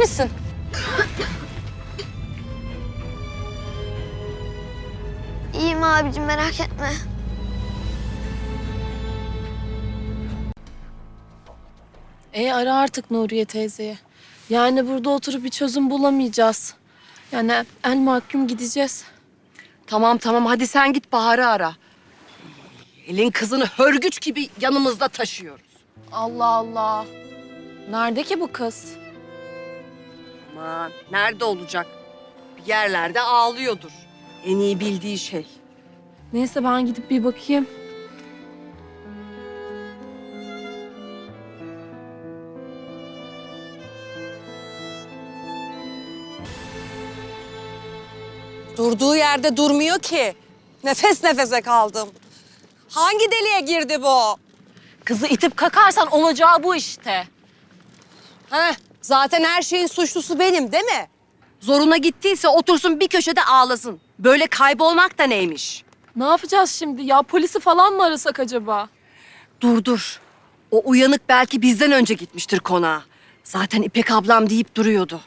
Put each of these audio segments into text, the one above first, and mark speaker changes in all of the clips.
Speaker 1: misin?
Speaker 2: İyiyim abicim, merak etme.
Speaker 1: Ara artık Nuriye teyzeye. Yani burada oturup bir çözüm bulamayacağız. Yani el mahkum gideceğiz.
Speaker 3: Tamam hadi sen git Bahar'ı ara. Elin kızını hörgüç gibi yanımızda taşıyoruz.
Speaker 1: Allah Allah. Nerede ki bu kız?
Speaker 3: Aman nerede olacak? Bir yerlerde ağlıyordur. En iyi bildiği şey.
Speaker 1: Neyse ben gidip bir bakayım.
Speaker 4: Durduğu yerde durmuyor ki. Nefes nefese kaldım. Hangi deliğe girdi bu?
Speaker 1: Kızı itip kakarsan olacağı bu işte.
Speaker 4: Heh, zaten her şeyin suçlusu benim değil mi?
Speaker 3: Zoruna gittiyse otursun bir köşede ağlasın. Böyle kaybolmak da neymiş?
Speaker 1: Ne yapacağız şimdi ya? Polisi falan mı arasak acaba?
Speaker 3: Dur. O uyanık belki bizden önce gitmiştir konağa. Zaten İpek ablam deyip duruyordu.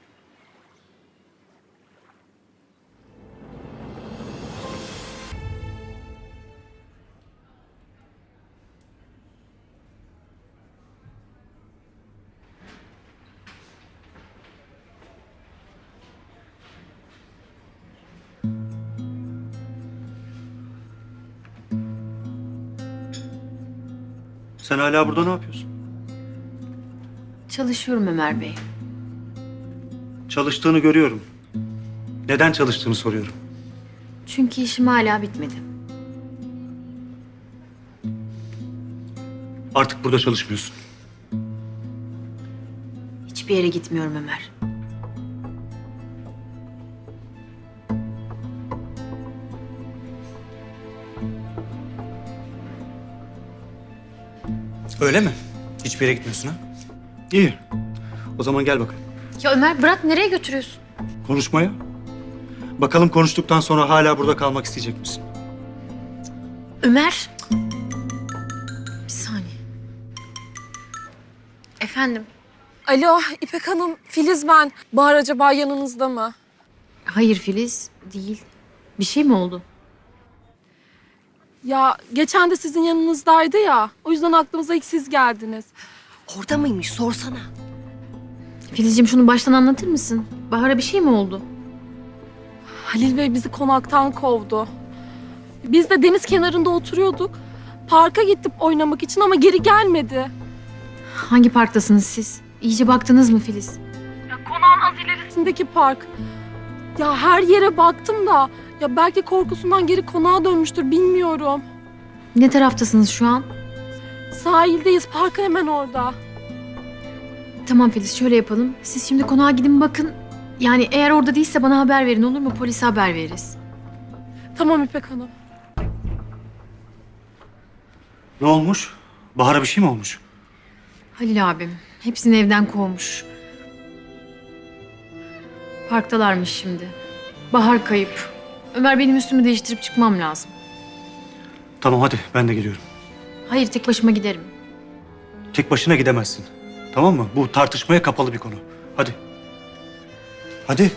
Speaker 5: Sen hala burada ne yapıyorsun?
Speaker 6: Çalışıyorum Ömer Bey.
Speaker 5: Çalıştığını görüyorum. Neden çalıştığını soruyorum.
Speaker 6: Çünkü işim hala bitmedi.
Speaker 5: Artık burada çalışmıyorsun.
Speaker 6: Hiçbir yere gitmiyorum Ömer.
Speaker 5: Öyle mi? Hiçbir yere gitmiyorsun ha? İyi. O zaman gel bakalım.
Speaker 6: Ya Ömer bırak, nereye götürüyorsun?
Speaker 5: Konuşmaya. Bakalım konuştuktan sonra hala burada kalmak isteyecek misin?
Speaker 6: Ömer. Bir saniye. Efendim?
Speaker 1: Alo İpek Hanım, Filiz ben. Bahar acaba yanınızda mı?
Speaker 6: Hayır Filiz, değil. Bir şey mi oldu?
Speaker 1: Ya geçen de sizin yanınızdaydı ya. O yüzden aklımıza ilk siz geldiniz.
Speaker 3: Orada mıymış sorsana.
Speaker 6: Filizciğim şunu baştan anlatır mısın? Bahar'a bir şey mi oldu?
Speaker 1: Halil Bey bizi konaktan kovdu. Biz de deniz kenarında oturuyorduk. Parka gittik oynamak için ama geri gelmedi.
Speaker 6: Hangi parktasınız siz? İyice baktınız mı Filiz?
Speaker 1: Ya konağın az ilerisindeki park. Ya her yere baktım da ya belki korkusundan geri konağa dönmüştür bilmiyorum.
Speaker 6: Ne taraftasınız şu an?
Speaker 1: Sahildeyiz, parka hemen orada.
Speaker 6: Tamam Filiz, şöyle yapalım. Siz şimdi konağa gidin bakın. Yani eğer orada değilse bana haber verin, olur mu? Polise haber veririz.
Speaker 1: Tamam İpek Hanım.
Speaker 5: Ne olmuş? Bahar'a bir şey mi olmuş?
Speaker 6: Halil abim hepsini evden kovmuş. Parktalarmış şimdi. Bahar kayıp. Ömer, benim üstümü değiştirip çıkmam lazım.
Speaker 5: Tamam hadi ben de geliyorum.
Speaker 6: Hayır, tek başıma giderim.
Speaker 5: Tek başına gidemezsin. Tamam mı? Bu tartışmaya kapalı bir konu. Hadi. Hadi.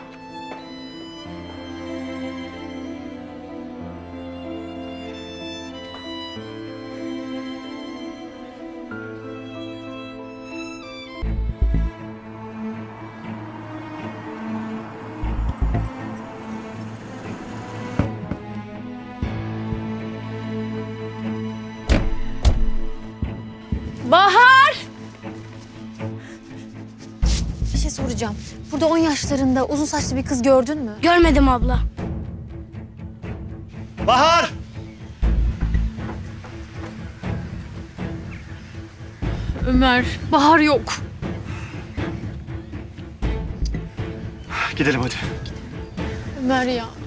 Speaker 1: Bahar!
Speaker 6: Bir şey soracağım. Burada 10 yaşlarında uzun saçlı bir kız gördün mü?
Speaker 2: Görmedim abla.
Speaker 5: Bahar!
Speaker 6: Ömer, Bahar yok.
Speaker 5: Gidelim hadi.
Speaker 6: Ömer ya.